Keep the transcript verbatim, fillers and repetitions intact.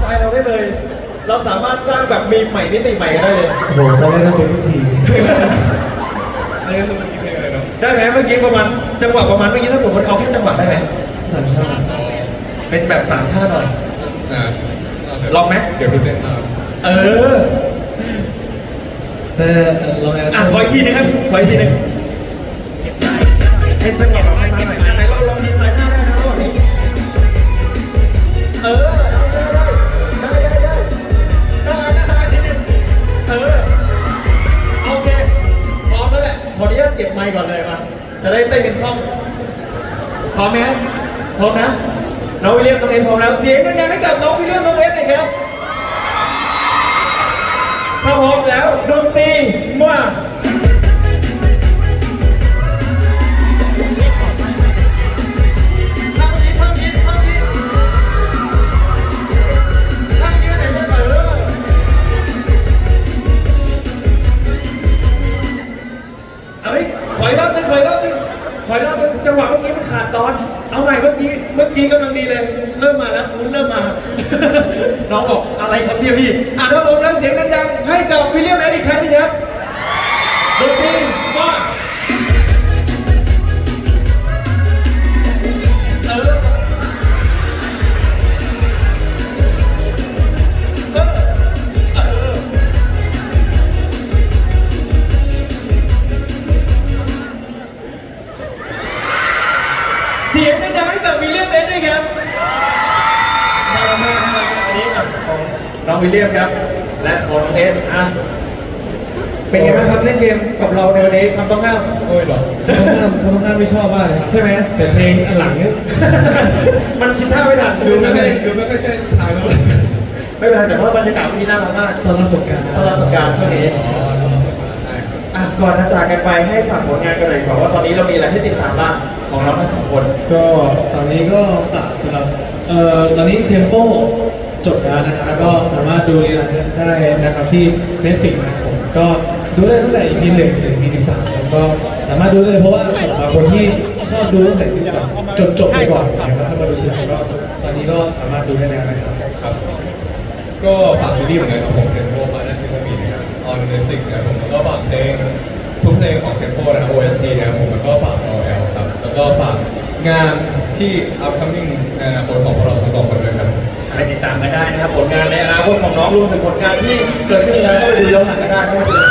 ตล์เราได้เลย เราสามารถสร้างแบบมีมใหม่มิติใหม่กันได้เลยโอ้โหตอนแรกก็เป็นพิธีอันนี้คือมันคิดเพลงอะไรเนาะได้ไหมเมื่อกี้ประมาณจังหวะประมาณเมื่อกี้ถ้าสมมติเอาแค่จังหวะได้ไหมสามชาติเป็นแบบสามชาติหน่อยอ่าลองไหมเดี๋ยวพี่เต้นตามเออแต่เราแอบอ่ะขออีกทีนึงครับขออีกทีนึงเป็นจังหวะแบบมาหน่อยอ่ะไหนเราลองดีไซน์หน้าได้นะระหว่างนี้เออได้ได้ได้ได้ได้ได้ได้นิดนึงเออโอเคพร้อมแล้วแหละขออนุญาตเก็บไมค์ก่อนเลยมาจะได้เต้นกันคล่องพร้อมไหมครับพร้อมนะน้องวิลเลียมน้องเอ็มพร้อมแล้วเสียงดังๆให้กับน้องวิลเลียมน้องเอ็มหน่อยครับถ้าพร้อมแล้วดนตรีมาเอ้ยขออีกรอบนึงขออีกรอบนึงขออีกรอบนึงจังหวะเมื่อกี้มันขาดตอน เอาใหม่เมื่อกี้ เมื่อกี้กำลังดีเลย เริ่มมาแล้วลุ้นเริ่มมา น้องบอกอะไรครับเนี่ยพี่ อ่ะถ้าผมแล้วเสียงดังๆให้กับวิลเลียมแอดอีกครั้งนึงครับดนตรีมาเออเออเออเสียงดังๆให้กับวิลเลียมแอดด้วยครับน่ารักมากน่ารักมากอันนี้อ่ะของน้องวิลเลียมครับ และของน้องเอสอ่ะเป็นไงบ้างครับเล่นเกมกับเราในวันนี้คำต้องห้ามโอ้ยเหรอเขาต้องห้ามเขาต้องห้ามไม่ชอบมากเลยใช่ไหมแต่เพลงอันหลังเนี่ยมันคิดท่าไม่ทันดูไม่ค่อยดูไม่ค่อยใช่ทางแล้วไม่เป็นไรแต่ว่าบรรยากาศวันนี้น่ารักมากตอนรับสงกรารตอนรับสงกรานต์ช่วงนี้อ๋อได้ครับอ่ะก่อนจะจากกันไปให้ฝากผลงานกันเลยดีกว่าว่าตอนนี้เรามีอะไรให้ติดตามบ้างของเราทั้งสองคนก็ตอนนี้ก็ฝากสำหรับเอ่อตอนนี้เทมโปจบแล้วนะครับก็สามารถดูรีลันได้นะครับที่ Netflix นะครับผมก็ดูได้ตั้งแต่ อี พี หนึ่งถึง อี พี สิบสามแล้วก็สามารถดูได้เพราะว่าสำหรับคนที่ชอบดูตั้งแต่สิบสามจนจบไปก่อนนะครับแล้วถ้ามาดูทีหลังก็ตอนนี้ก็สามารถดูได้แล้วนะครับครับ ก็ฝากซีรีส์เหมือนกันครับผมเทมโปมาได้ที่มีนะครับออนเน็ตฟลิกนะครับผมแล้วก็ฝากเพลงทุกเพลงของเทมโปนะครับ โอ เอส ที นะครับผมแล้วก็ฝาก โอ แอล ครับแล้วก็ฝากงานที่ upcoming ในอนาคตของพวกเราทั้งสองคนด้วยครับไปติดตามกันได้นะครับผลงานในอนาคตของน้องรวมถึงผลงานที่เกิดขึ้นแล้วก็ไปดูย้อนหลังกันได้ไม่ว่าจะเป็น